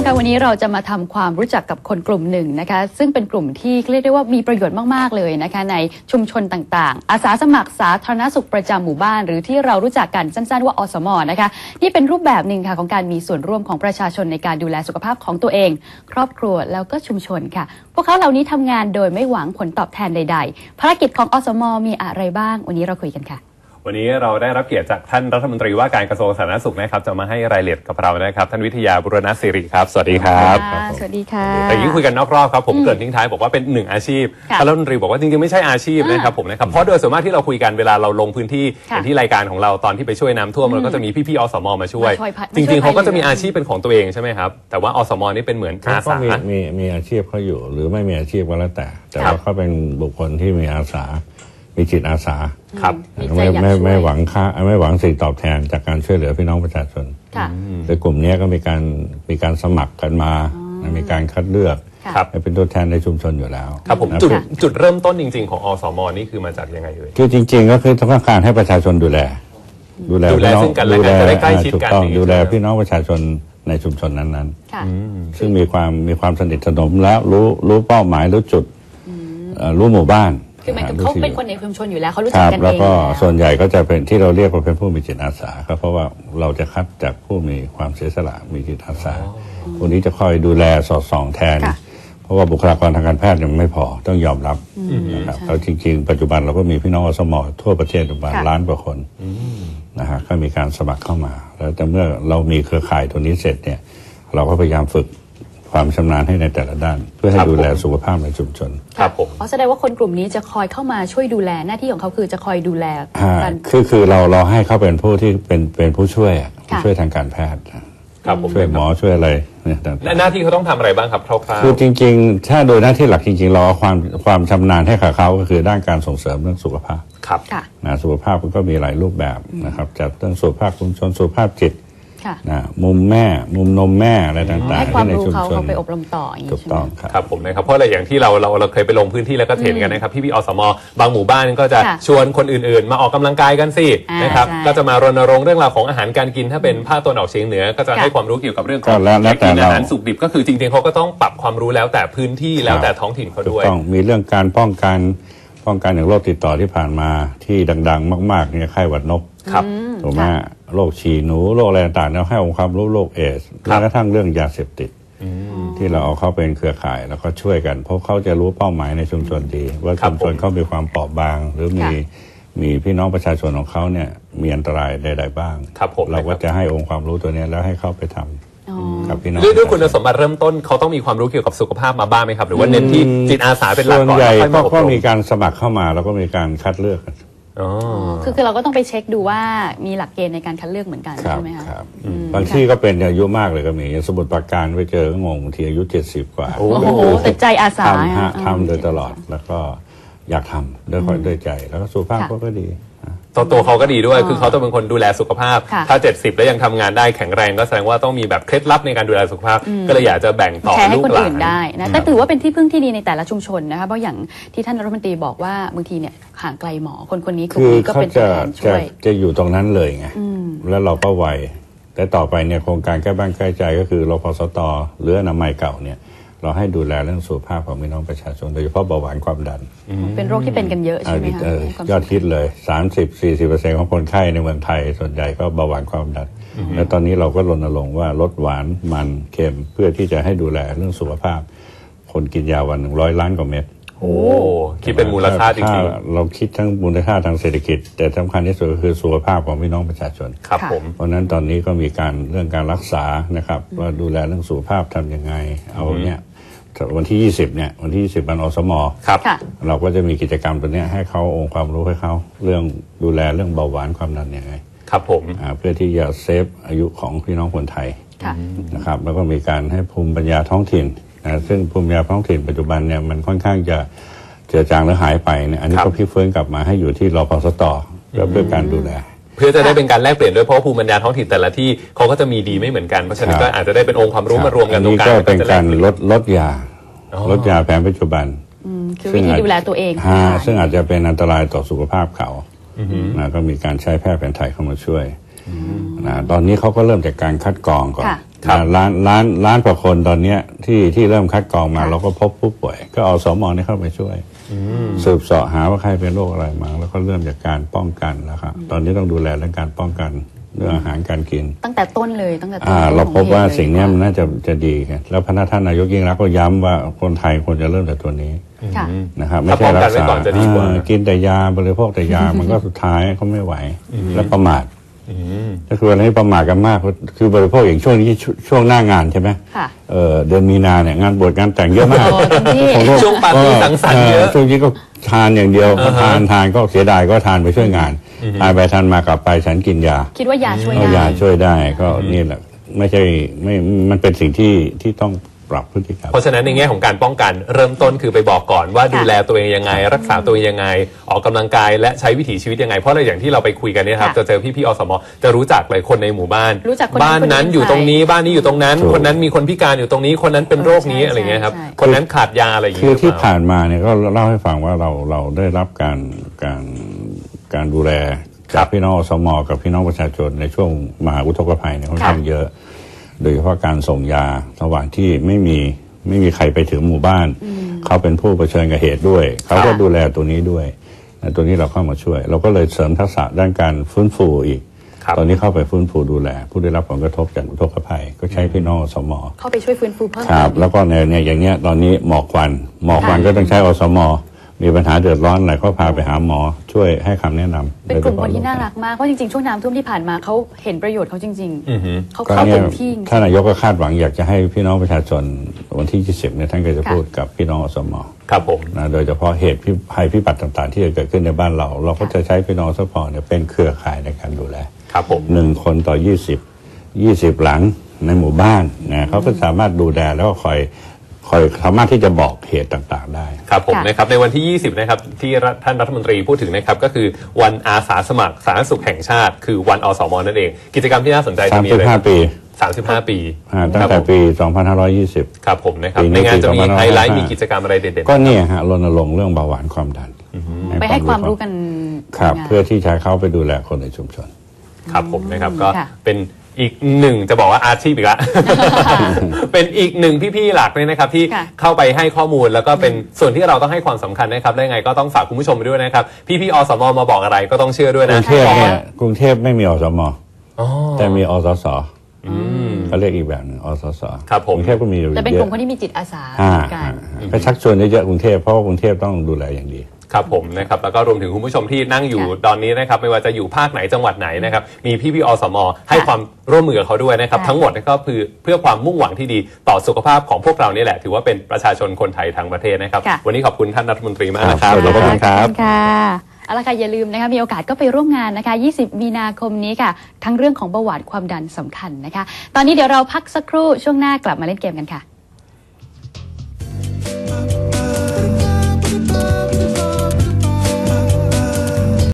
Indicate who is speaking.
Speaker 1: ค่ะวันนี้เราจะมาทำความรู้จักกับคนกลุ่มหนึ่งนะคะซึ่งเป็นกลุ่มที่เรียกได้ว่ามีประโยชน์มากๆเลยนะคะในชุมชนต่างๆอาสาสมัครสาธารณสุขประจำหมู่บ้านหรือที่เรารู้จักกันสั้นๆว่าอสม.นะคะนี่เป็นรูปแบบหนึ่งค่ะของการมีส่วนร่วมของประชาชนในการดูแลสุขภาพของตัวเองครอบครัวแล้วก็ชุมชนค่ะพวกเขาเหล่านี้ทำงานโดยไม่หวังผลตอบแทนใดๆภารกิจของอสม.มีอะไรบ้างวันนี้เราคุยกันค่ะ
Speaker 2: วันนี้เราได้รับเกียรติจากท่านรัฐมนตรีว่าการกระทรวงสาธารณสุขนะครับจะมาให้รายละเอียดกับเรานะครับท่านวิทยาบุรณศิริครับสวัสดีครับ
Speaker 1: สวัสดีค่ะ
Speaker 2: แต่ยิ่งคุยกันนอกรอบครับผมเกิดทิ้งท้ายบอกว่าเป็นหนึ่งอาชีพท่านรัฐมนตรีบอกว่าจริงๆไม่ใช่อาชีพนะครับผมนะครับเพราะโดยส่วนมากที่เราคุยกันเวลาเราลงพื้นที่อย่างที่รายการของเราตอนที่ไปช่วยน้ำท่วมเราก็จะมีพี่ๆอสม.มาช่วยจริงๆเขาก็จะมีอาชีพเป็นของตัวเองใช่ไหมครับแต่ว่าอสม.นี่เป็นเหมือนอาสา
Speaker 3: มีอาชีพเขาอยู่หรือไม่มีอาชีพก็แล้วแต่ว่าเขาเป็นบุคคลที่มีอาสามีจิตอาสา
Speaker 2: ครับ
Speaker 3: ไม่หวังค่าไม่หวังสิ่งตอบแทนจากการช่วยเหลือพี่น้องประชาชนโดยกลุ่มนี้ก็มีการสมัครกันมามีการคัดเลือกเป็นตัวแทนในชุมชนอยู่แล้ว
Speaker 2: ครับผมจุดเริ่มต้นจริงๆของอสม.นี่คือมาจากยังไงเลย
Speaker 3: คือจริงๆก็คือต้องการให้ประชาชนดูแล
Speaker 2: ซึ่งกันและกันจะได้ใกล้ชิดกัน
Speaker 3: ดูแลพี่น้องประชาชนในชุมชนนั้นๆซึ่งมีความสนิทสนมแล้วรู้เป้าหมายรู้จุดรู้หมู่บ้าน
Speaker 1: คือหมายถึงเขาเป็นคนในชุมชนอยู่แล้วเขารู้จักกันเอง
Speaker 3: แล้วก็ส่วนใหญ่ก็จะเป็นที่เราเรียกว่าเป็นผู้มีจิตอาสาครับเพราะว่าเราจะคัดจากผู้มีความเสียสละมีจิตอาสาคนนี้จะคอยดูแลสอดส่องแทนเพราะว่าบุคลากรทางการแพทย์ยังไม่พอต้องยอมรับนะครับแล้วจริงๆปัจจุบันเราก็มีพี่น้องอสม.ทั่วประเทศประมาณล้านกว่าคนนะฮะก็มีการสมัครเข้ามาแล้วแต่เมื่อเรามีเครือข่ายตัวนี้เสร็จเนี่ยเราก็พยายามฝึกความชำนาญให้ในแต่ละด้านเพื่อให้ดูแลสุขภาพในชุมชน
Speaker 2: ครับผม
Speaker 1: แสดงว่าคนกลุ่มนี้จะคอยเข้ามาช่วยดูแลหน้าที่ของเขาคือจะคอยดูแล
Speaker 3: กันคือเราให้เขาเป็นผู้ที่เป็นผู้ช่วยทางการแพทย์
Speaker 2: ครับผม
Speaker 3: ช่วยหมอช่วยอะไรเนี่ย
Speaker 2: หน้าที่เขาต้องทำอะไรบ้างครับคร่าวๆ
Speaker 3: คือจริงๆถ้าโดยหน้าที่หลักจริงๆเราเอาความชำนาญให้กับเขาก็คือด้านการส่งเสริมเรื่องสุขภาพ
Speaker 2: ครับ
Speaker 3: สุขภาพก็มีหลายรูปแบบนะครับจากเรื่องสุขภาพชุมชนสุขภาพจิตมุมแม่มุมนมแม่อะไรต่างๆ
Speaker 1: ให้ความรู้เขาไปอบรมต่ออย่างนี้
Speaker 3: ถูกต้อง
Speaker 2: ครับผมนะครับเพราะอะไรอย่างที่เราเคยไปลงพื้นที่แล้วก็เห็นกันนะครับพี่อสม.บางหมู่บ้านก็จะชวนคนอื่นๆมาออกกำลังกายกันสินะครับก็จะมารณรงค์เรื่องราวของอาหารการกินถ้าเป็นภาคตะวันออกเฉียงเหนือก็จะให้ความรู้เกี่ยวกับเรื่องของการกินอาหารสุกดิบก็คือจริงๆเขาก็ต้องปรับความรู้แล้วแต่พื้นที่แล้วแต่ท้องถิ่นเขาด้วย
Speaker 3: ต้องมีเรื่องการป้องกันอย่างโรคติดต่อที่ผ่านมาที่ดังๆมากๆเนี่ยไข้หวัดนกถูกไหมโรคฉี่หนูโรคอะไรต่างๆเราให้องค์ความรู้โรคเอดส์แม้กระทั่งเรื่องยาเสพติดที่เราเอาเข้าเป็นเครือข่ายแล้วก็ช่วยกันเพราะเขาจะรู้เป้าหมายในชุมชนดีว่าชุมชนเขามีความเปราะบางหรือมีพี่น้องประชาชนของเขาเนี่ยมีอันตรายใดๆบ้างเราก็จะให้องค์ความรู้ตัวนี้แล้วให้เขาไปทำกับพี่น้อง
Speaker 2: ด้วยคุณสมบัติเริ่มต้นเขาต้องมีความรู้เกี่ยวกับสุขภาพมาบ้างไหมครับหรือว่าเน้นที่จิตอาสาเป็นหลักก่อน
Speaker 3: ส่วนใหญ่ก็มีการสมัครเข้ามาแล้วก็มีการคัดเลือก
Speaker 1: คือเราก็ต้องไปเช็คดูว่ามีหลักเกณฑ์ในการคัดเลือกเหมือนกันใช่ไหมคะ
Speaker 3: บางที่ก็เป็นอายุมากเลยก็มีสมุดประการไปเจอก็งงบางทีอายุ70กว่า
Speaker 1: โอ้โหแต่ใจอาสา
Speaker 3: ทำโดยตลอดแล้วก็อยากทำด้วยใจแล้วก็สุขภาพก็ดี
Speaker 2: ตัวเขาก็ดีด้วยคือเขาต้องเป็นคนดูแลสุขภาพถ้า70แล้วยังทำงานได้แข็งแรงก็แสดงว่าต้องมีแบบเคล็ดลับในการดูแลสุขภาพก็เลยอยากจะแบ่งต่อลูกหลาน
Speaker 1: ได้นะแต่ถือว่าเป็นที่พึ่งที่ดีในแต่ละชุมชนนะคะเพราะอย่างที่ท่านรัฐมนตรีบอกว่าบางทีเนี่ยห่างไกลหมอคนนี้
Speaker 3: คือก็เป็นตัวแทนช่วยจะอยู่ตรงนั้นเลยไงแล้วเราก็ไวแต่ต่อไปเนี่ยโครงการแก้บ้านใกล้ใจก็คือรพสต.หรืออนามัยเก่าเนี่ยเราให้ดูแลเรื่องสุขภาพของพี่น้องประชาชนโดยเฉพาะเบาหวานความดัน
Speaker 1: เป็นโรคที่เป็นกันเยอะใช่ไหมคะ
Speaker 3: ยอดฮิตเลย 30-40% ของคนไข้ในเมืองไทยส่วนใหญ่ก็เบาหวานความดันแล้วตอนนี้เราก็รณรงค์ว่าลดหวานมันเค็มเพื่อที่จะให้ดูแลเรื่องสุขภาพคนกินยาวัน100 ล้านกว่าเม็ด
Speaker 2: โอ้คิดเป็นมูลค่าจริง
Speaker 3: ๆเราคิดทั้งมูลค่าทางเศรษฐกิจแต่สำคัญที่สุดก็คือสุขภาพของพี่น้องประชาชน
Speaker 2: ครับผม
Speaker 3: เพราะนั้นตอนนี้ก็มีการเรื่องการรักษานะครับว่าดูแลเรื่องสุขภาพทำยังไงเอาเนี่ยวันที่20เนี่ยวันที่20วันอสม.เราก็จะมีกิจกรรมตัวนี้ให้เขาองค์ความรู้ให้เขาเรื่องดูแลเรื่องเบาหวานความดันยังไง
Speaker 2: ครับผม
Speaker 3: เพื่อที่จะเซฟอายุของพี่น้องคนไทยนะครับแล้วก็มีการให้ภูมิปัญญาท้องถิ่นซึ่งภูมิปัญญาท้องถิ่นปัจจุบันเนี่ยมันค่อนข้างจะเจือจางหรือหายไปเนี่ยอันนี้ก็พลิกฟื้นกลับมาให้อยู่ที่รพสต.เพื่อการดูแล
Speaker 2: เพื่อจะได้เป็นการแลกเปลี่ยนด้วยเพราะภูมิปัญญาท้องถิ่นแต่ละที่เขาก็จะมีดีไม่เหมือนกันเพราะฉะนั้นก็อาจจะได้เป็นองค์ความรู้มารวมกันตรงกลาง
Speaker 3: ก็เป็นการลดยาแผนปัจจุบัน
Speaker 1: คือวิธีดูแลตัวเอง
Speaker 3: ซึ่งอาจจะเป็นอันตรายต่อสุขภาพเขาก็มีการใช้แพทย์แผนไทยเข้ามาช่วยตอนนี้เขาก็เริ่มจากการคัดกรองก่อนล้านกว่าคนตอนเนี้ยที่เริ่มคัดกรองมาเราก็พบผู้ป่วยก็เอาสมนี่เข้าไปช่วยสืบเสาะหาว่าใครเป็นโรคอะไรมาแล้วก็เริ่มจากการป้องกันแล้วครับตอนนี้ต้องดูแลเรื่องการป้องกันเรื่องอาหารการกิน
Speaker 1: ตั้งแต่ต้นเลยตั้งแต่ต้น
Speaker 3: เราพบว่าสิ่งนี้มันน่าจะดีครับแล้วพระท่านนายกยิ่งรักษณ์ก็ย้ำว่าคนไทยควรจะเริ่มจากตัวนี้นะครับไม่ใช่รักษากินแต่ยาบริโภคแต่ยามันก็สุดท้ายก็ไม่ไหวแล้วประมาทก็คืออะไรที่ประมาทกันมากคือบริโภคอย่างช่วงนี้ช่วงหน้างานใช่ไหมเดือนมีนาเนี่ยงานบวชงานแต่งเยอะมาก
Speaker 2: ช่วงปาร์ตี้สังสรรค์เยอะ
Speaker 3: ช่วงนี้ก็ทานอย่างเดียวทานก็เสียดายก็ทานไปช่วยงานทานไปทานมากลับไปฉันกินยา
Speaker 1: คิดว่ายาช่วยได้
Speaker 3: ยาช่วยได้ก็นี่แหละไม่ใช่ไม่มันเป็นสิ่งที่ต้องปรับพฤติกรรม
Speaker 2: เพราะฉะนั้นในแง่ของการป้องกันเริ่มต้นคือไปบอกก่อนว่าดูแลตัวเองยังไงรักษาตัวเองยังไงออกกำลังกายและใช้วิถีชีวิตยังไงเพราะอะไรอย่างที่เราไปคุยกันเนี่ยครับจะเจอพี่อสมจะรู้จักเลยคนในหมู่บ้านบ้านนั้นอยู่ตรงนี้บ้านนี้อยู่ตรงนั้นคนนั้นมีคนพิการอยู่ตรงนี้คนนั้นเป็นโรคนี้อะไรเงี้ยครับคนนั้นขาดยาอะไรอย่างเงี้ย
Speaker 3: คือที่ผ่านมาเนี่ยก็เล่าให้ฟังว่าเราได้รับการดูแลจากพี่น้องอสมกับพี่น้องประชาชนในช่วงมหาอุทกภัยเนี่ยค่อนข้างเยอะโดยเฉพาะการส่งยาระหว่างที่ไม่มีใครไปถึงหมู่บ้านเขาเป็นผู้เผชิญกับเหตุด้วยเขาก็ดูแลตัวนี้ด้วยตัวนี้เราเข้ามาช่วยเราก็เลยเสริมทักษะด้านการฟื้นฟูอีกตอนนี้เข้าไปฟื้นฟูดูแลผู้ได้รับผลกระทบจากอุทกภัยก็ใช้พี่น้องอสม
Speaker 1: เข้าไปช่วยฟื้นฟูเพิ่ม
Speaker 3: ครับแล้วก็เนี่ยอย่างเงี้ยตอนนี้หมอกควันก็ต้องใช้อสมมีปัญหาเดือดร้อนอะไรก็พาไปหาหมอช่วยให้คำแนะนำ
Speaker 1: เป็นกลุ่มคนที่น่ารักมากเพราะจริงๆช่วงน้ำท่วมที่ผ่านมาเขาเห็นประโยชน์เขาจริงๆเขาเข้าเต็มที่
Speaker 3: ท่านนายกก็คาดหวังอยากจะให้พี่น้องประชาชนวันที่20เนี่ยท่านก็จะพูดกับพี่น้องอสม
Speaker 2: ครับผม
Speaker 3: นะโดยเฉพาะเหตุภัยพิบัติต่างๆที่จะเกิดขึ้นในบ้านเราก็จะใช้พี่น้องอสมเนี่ยเป็นเครือข่ายในการดูแล
Speaker 2: ครับผม
Speaker 3: 1 คนต่อ20หลังในหมู่บ้านนะเขาก็สามารถดูแลแล้วก็คอยสามารถที่จะบอกเหตุต่างๆได้
Speaker 2: ครับผมนะครับในวันที่20นะครับที่ท่านรัฐมนตรีพูดถึงนะครับก็คือวันอาสาสมัครสาธารณสุขแห่งชาติคือวันอสมนั่นเองกิจกรรมที่น่าสนใจจะมีอะไร35 ปี
Speaker 3: ตั้งแต่ปี2520
Speaker 2: ครับผมนะครับในงานจะมีไฮไลท์มีกิจกรรมอะไรเด่น
Speaker 3: ๆก็เนี่ยฮะรณรงค์เรื่องเบาหวานความดัน
Speaker 1: ไปให้ความรู้กัน
Speaker 3: ครับเพื่อที่จะเข้าไปดูแลคนในชุมชน
Speaker 2: ครับผมนะครับก็เป็นอีกหนึ่งจะบอกว่าอาชีพอีกละ เป็นอีกหนึ่งพี่ๆหลักเลยนะครับที่เข้าไปให้ข้อมูลแล้วก็เป็นส่วนที่เราต้องให้ความสำคัญนะครับได้ไงก็ต้องฝากคุณผู้ชมไปด้วยนะครับพี่ๆอสมมาบอกอะไรก็ต้องเชื่อด้วยนะ
Speaker 3: กรุงเทพไม่มีอสมแต่มีอสสเขาเรียกอีกแบบนึงอสส
Speaker 2: ครับผม
Speaker 3: กรุงเทพก็มี
Speaker 1: แต่เป็นกลุ่มคนที่มีจิตอาสา
Speaker 3: ไปชักชวนเยอะๆกรุงเทพเพราะว่ากรุงเทพต้องดูแลอย่างดี
Speaker 2: ครับผมนะครับแล้วก็รวมถึงคุณผู้ชมที่นั่งอยู่ตอนนี้นะครับไม่ว่าจะอยู่ภาคไหนจังหวัดไหนนะครับมีพี่อสมให้ความร่วมมือกับเขาด้วยนะครับทั้งหมดก็คือเพื่อความมุ่งหวังที่ดีต่อสุขภาพของพวกเรานี่แหละถือว่าเป็นประชาชนคนไทยทั้งประเทศนะครับวันนี้ขอบคุณท่านรัฐมนตรีมากนะครับ
Speaker 3: ขอบคุณครับ
Speaker 1: เอาละค่ะอย่าลืมนะคะมีโอกาสก็ไปร่วมงานนะคะ20 มีนาคมนี้ค่ะทั้งเรื่องของเบาหวานความดันสำคัญนะคะตอนนี้เดี๋ยวเราพักสักครู่ช่วงหน้ากลับมาเล่นเกมกันค่ะ